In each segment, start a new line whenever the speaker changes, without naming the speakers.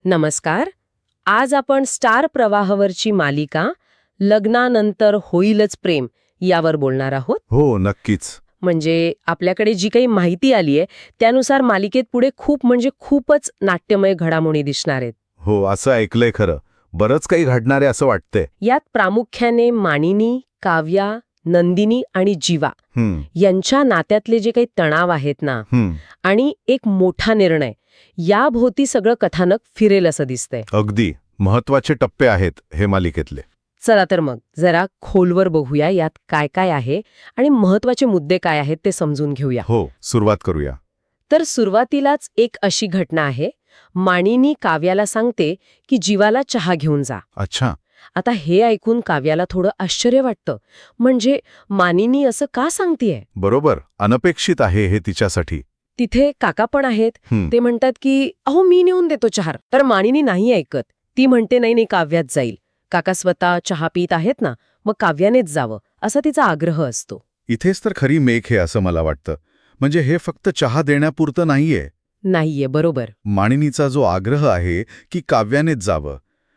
नमस्कार. आज आपण स्टार प्रवाहावरची मालिका लग्नानंतर होईलच प्रेम यावर बोलणार आहोत.
हो, नक्कीच.
म्हणजे आपल्याकडे जी काही माहिती आली आहे त्यानुसार मालिकेत पुढे खूपच नाट्यमय घडामोडी दिसणार आहेत.
हो, असं ऐकलंय खरं. बरंच काही घडणार आहे असं वाटतंय.
यात प्रामुख्याने मानिनी, काव्या, नंदिनी आणि जीवा
हं,
यांच्या नात्यातले जे काही तणाव आहेत ना,
हं,
आणि एक मोठा निर्णय, याभोवती सगळं कथानक फिरेल असं दिसतंय.
अगदी महत्वाचे टप्पे आहेत हे मालिकेतले.
चला तर मग जरा खोलवर बघूया यात काय काय आहे आणि महत्वाचे मुद्दे काय आहेत ते समजून घेऊया.
हो, सुरुवात करूया.
तर सुरुवातीलाच एक अशी घटना आहे. मानिनी काव्याला सांगते की जीवाला चहा घेऊन जा.
अच्छा.
आता हे ऐकून काव्याला थोडं आश्चर्य वाटतं. म्हणजे मानिनी असं का सांगतेय?
बरोबर, अनपेक्षित आहे हे तिच्यासाठी.
तिथे काका पण आहेत.
हं,
ते म्हणतात की अहो मी नेऊन देतो चहा. तर मानिनी नाही ऐकत. ती म्हणते नाही काव्यात जाईल. काका स्वतः चहा पीत आहेत ना, मग काव्यानेच जावं असा तिचा आग्रह असतो.
इथेच तर खरी मेख आहे असं मला वाटतं. म्हणजे हे फक्त चहा देण्यापुरतं नाहीये.
नाहीये, बरोबर.
मानिनीचा जो आग्रह आहे की काव्यानेच जावं,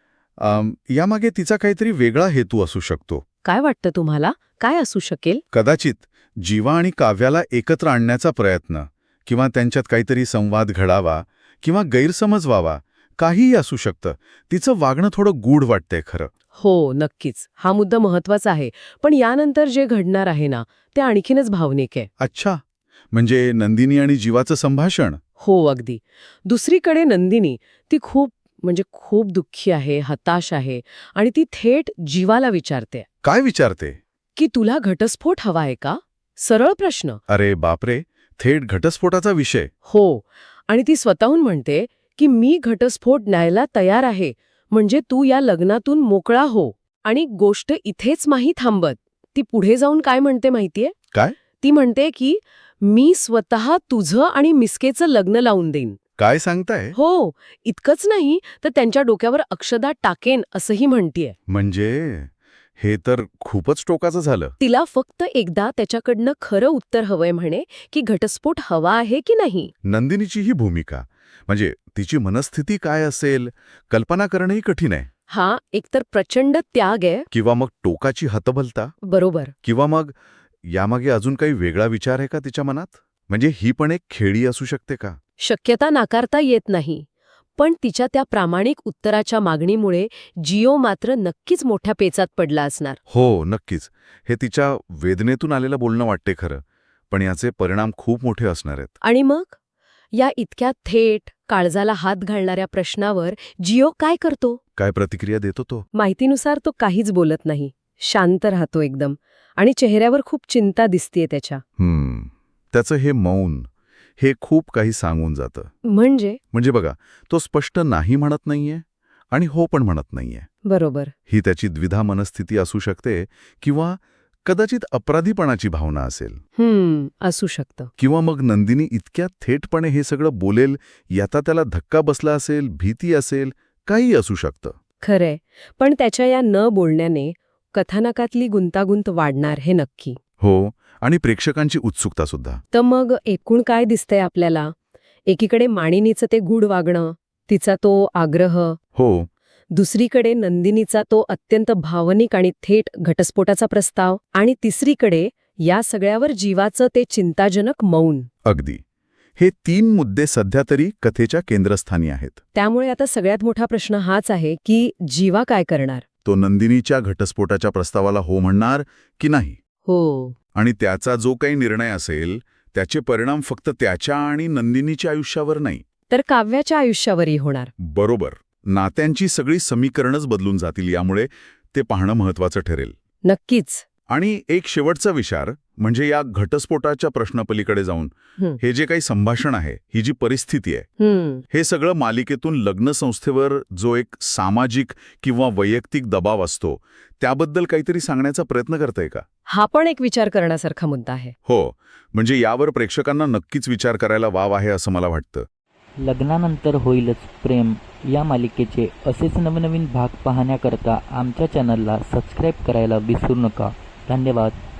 यामागे तिचा काहीतरी वेगळा हेतू असू शकतो.
काय वाटतं तुम्हाला? काय असू शकेल?
कदाचित जीवा आणि काव्याला एकत्र आणण्याचा प्रयत्न, किंवा त्यांच्यात काहीतरी संवाद घडावा किंवा गैरसमज व्हावा, काहीही असू शकतं. तिचं वागणं थोडं गूढ वाटतंय खरं.
हो, नक्कीच. हा मुद्दा महत्वाचा आहे. पण यानंतर जे घडणार आहे ना, ते आणखीनच भावनिक आहे.
अच्छा, म्हणजे नंदिनी आणि जीवाचं संभाषण.
हो, अगदी. दुसरीकडे नंदिनी, ती खूप दुःखी आहे, हताश आहे आणि ती थेट जीवाला विचारते
काय विचारते?
की तुला घटस्फोट हवा आहे का? सरळ प्रश्न.
अरे बापरे, थेट घटस्फोटाचा विषय.
हो. आणि ती स्वतःहून म्हणते की मी घटस्फोट न्यायला तयार आहे, म्हणजे तू या लग्नातून मोकळा हो. आणि गोष्ट इथेच नाही थांबत. ती पुढे जाऊन काय म्हणते माहितीये?
काय?
ती म्हणते की मी स्वतः तुझं आणि मिस्केचं लग्न लावून देईन.
काय सांगताय?
हो, इतकंच नाही तर त्यांच्या डोक्यावर अक्षदा टाकेन असंही म्हणतीये.
म्हणजे हे तर खूपच टोकाचं झालं.
तिला फक्त एकदा त्याच्याकडनं खरं उत्तर हवंय म्हणे की घटस्फोट हवा आहे की नाही.
नंदिनीची ही भूमिका, म्हणजे तिची मनस्थिती काय असेल, कल्पना करणंही कठीण आहे.
हा एकतर प्रचंड त्याग आहे.
किंवा मग टोकाची हतबलता,
बरोबर.
किंवा मग यामागे अजून काही वेगळा विचार आहे का तिच्या मनात? म्हणजे ही पण एक खेळी असू शकते का?
शक्यता नाकारता येत नाही. पण तिच्या त्या प्रामाणिक उत्तराच्या मागणीमुळे जिओ मात्र नक्कीच मोठ्या पेचात पडला असणार.
हो, नक्कीच. हे तिच्या वेदनेतून आलेलं बोलणं वाटते खरं. पण याचे परिणाम खूप मोठे असणार आहेत.
आणि मग या इतक्या थेट काळजाला हात घालणाऱ्या प्रश्नावर जिओ काय करतो?
काय प्रतिक्रिया देतो तो?
माहितीनुसार तो काहीच बोलत नाही. शांत राहतो एकदम. आणि चेहऱ्यावर खूप चिंता दिसतीये त्याच्या.
त्याचं हे मौन, हे खूप काही सांगून जातं.
म्हणजे
बघा, तो स्पष्ट नाही म्हणत नाहीये आणि हो पण म्हणत नाहीये.
बरोबर.
ही त्याची द्विधा मनस्थिती असू शकते, किंवा कदाचित अपराधीपणाची भावना असेल.
असू शकतं.
किंवा मग नंदिनी इतक्या थेटपणे हे सगळं बोलेल याचा त्याला धक्का बसला असेल, भीती असेल, काही असू शकतं.
खरंय. पण त्याच्या या न बोलण्याने कथानकातली गुंतागुंत वाढणार हे नक्की.
हो, आणि प्रेक्षकांची उत्सुकता सुद्धा.
तर मग एकूण काय दिसतंय आपल्याला? एकीकडे मानिनीचं ते गूढ वागणं, तिचा तो आग्रह.
हो,
दुसरीकडे नंदिनीचा तो अत्यंत भावनिक आणि थेट घटस्फोटाचा प्रस्ताव. आणि तिसरीकडे या सगळ्यावर जीवाचं ते चिंताजनक मौन.
अगदी. हे 3 मुद्दे सध्या तरी कथेच्या केंद्रस्थानी आहेत.
त्यामुळे आता सगळ्यात मोठा प्रश्न हाच आहे की जीवा काय करणार?
तो नंदिनीच्या घटस्फोटाच्या प्रस्तावाला हो म्हणणार की नाही?
हो.
आणि त्याचा जो काही निर्णय असेल त्याचे परिणाम फक्त त्याच्या आणि नंदिनीच्या आयुष्यावर नाही,
तर काव्याच्या आयुष्यावरही होणार.
बरोबर. नात्यांची सगळी समीकरणच बदलून जातील. यामुळे ते पाहणं महत्वाचं ठरेल.
नक्कीच.
आणि एक शेवटचा विचार म्हणजे या घटस्फोटाच्या प्रश्नापलीकडे जाऊन हे जे काही संभाषण आहे, ही जी परिस्थिती आहे, हे सगळं मालिकेतून लग्न संस्थेवर जो एक सामाजिक किंवा वैयक्तिक दबाव असतो त्याबद्दल काहीतरी सांगण्याचा प्रयत्न करतंय का?
हा पण एक विचार करण्यासारखा मुद्दा आहे.
हो, म्हणजे यावर प्रेक्षकांना नक्कीच विचार करायला वाव आहे असं मला वाटतं.
लग्नानंतर होईलच प्रेम या मालिकेचे असेच नवनवीन भाग पाहण्याकरता आमच्या चॅनलला सबस्क्राईब करायला विसरू नका. धन्यवाद.